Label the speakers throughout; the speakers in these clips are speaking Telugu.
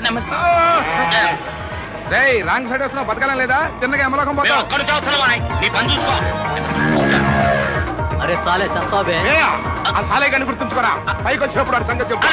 Speaker 1: రాంగ్ సైడ్ వస్తున్నావు, బతకాలం లేదా? చిన్నగా ఎమలోకం పోతావు.
Speaker 2: నీ పని చూసుకో.
Speaker 3: అరే సాలే చస్తావే.
Speaker 1: ఆ సాలే కానీ గుర్తుంచుకోరా, పైకి వచ్చినప్పుడు వాడి సంగతి చెప్పు.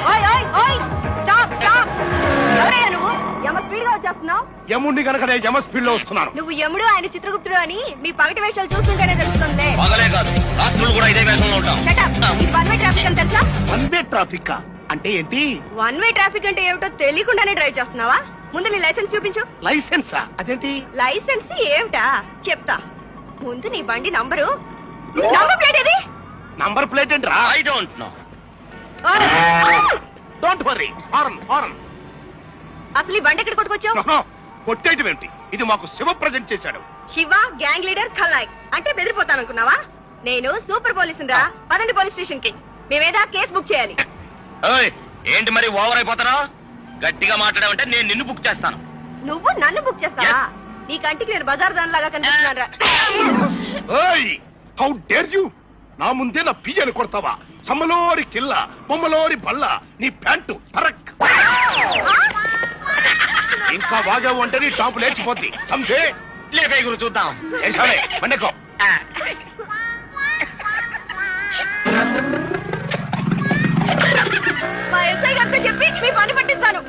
Speaker 1: యముడిని కనుక నేను యమ స్పీడ్ లో వస్తున్నాను.
Speaker 4: నువ్వు యముడు, ఆయన చిత్రగుప్తుడు అని మీ పగటి వేషాలు చూస్తుంటేనే తెలుస్తుంది.
Speaker 2: పగలే కాదు, రాత్రులు కూడా ఇదే వేషంలో ఉంటాం.
Speaker 4: వన్ వే ట్రాఫిక్ అని తెలుసా?
Speaker 1: వన్ వే ట్రాఫిక్ అంటే ఏంటి?
Speaker 4: వన్ వే ట్రాఫిక్ అంటే ఏమిటో తెలియకుండానే డ్రైవ్ చేస్తున్నావా? ముందు నీ లైసెన్స్ చూపించు.
Speaker 1: లైసెన్సా? అదేంటి?
Speaker 4: లైసెన్స్ ఏమిటా చెప్తా. ముందు నీ బండి నంబరు. నంబర్ ప్లేట్ ఏది?
Speaker 1: నంబర్ ప్లేట్ ఏంట్రా?
Speaker 2: I don't know.
Speaker 1: Don't worry. Horn horn.
Speaker 4: అసలు ఈ బండి ఎక్కడ కొట్టుకొచ్చావు?
Speaker 1: కొట్టేయటం ఏంటి? ఇది మాకు శివ ప్రజెంట్ చేశాడు.
Speaker 4: శివ గ్యాంగ్ లీడర్ ఖల్నాయక్ అంటే బెదిరిపోతాననుకున్నావా? నేను సూపర్ పోలీసు రా. పదండి పోలీస్ స్టేషన్ కి. మేమేదా కేసు బుక్ చేయాలి.
Speaker 2: ఏంటి మరి ఓవర్ అయిపోతారా? గట్టిగా మాట్లాడావంటే నేను నిన్ను బుక్ చేస్తాను.
Speaker 4: నువ్వు నన్ను బుక్ చేస్తావా? నీ కంటికి నేను బజార్ దాని లాగా కనిపిస్తున్నారా?
Speaker 1: How dare you! నా ముందే నా పియ్యను కొడతావా? సమ్మలోరి కిల్ల, బొమ్మలోరి బల్ల, నీ ప్యాంటు తరక్. ఇంకా వాగావు అంటే నీ టాపు లేచిపోద్ది. సంశే
Speaker 2: లేపే గురు చూద్దాం.
Speaker 1: మండకో.
Speaker 4: మా ఎస్ఐ గారితో చెప్పి మీ పని పట్టిస్తాను.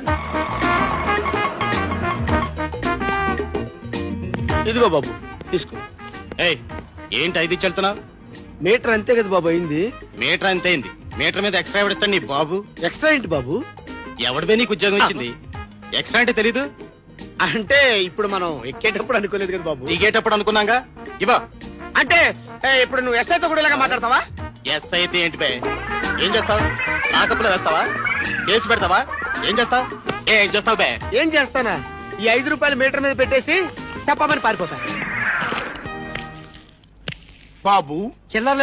Speaker 3: ఇదిగో బాబు తీసుకో.
Speaker 2: ఏంటి ఐదు చెల్తున్నావు?
Speaker 3: మీటర్ అంతే కదా బాబు అయింది.
Speaker 2: మీటర్ అంతేంది? మీటర్ మీద ఎక్స్ట్రా ఎవడిస్తాను నీ బాబు?
Speaker 3: ఎక్స్ట్రా ఏంటి బాబు?
Speaker 2: ఎవడిపై నీకు ఉద్యోగం ఇచ్చింది? ఎక్స్ట్రా అంటే తెలీదు?
Speaker 3: అంటే ఇప్పుడు మనం ఎక్కేటప్పుడు అనుకోలేదు కదా బాబు.
Speaker 2: దిగేటప్పుడు అనుకున్నాగా. ఇవా
Speaker 3: అంటే ఇప్పుడు నువ్వు ఎస్ఐతో కూడా ఇలాగా మాట్లాడతావా?
Speaker 2: ఎస్ అయితే ఏంటి బే? ఏం చేస్తావు? లాకప్లో వేస్తావా? కేసు పెడతావా? ఏం చేస్తావు? ఏం చేస్తావు బే?
Speaker 3: ఏం చేస్తానా? ఈ 5 రూపాయలు మీటర్ మీద పెట్టేసి తప్పమని పారిపోతా.
Speaker 1: బాబు
Speaker 3: చిల్లర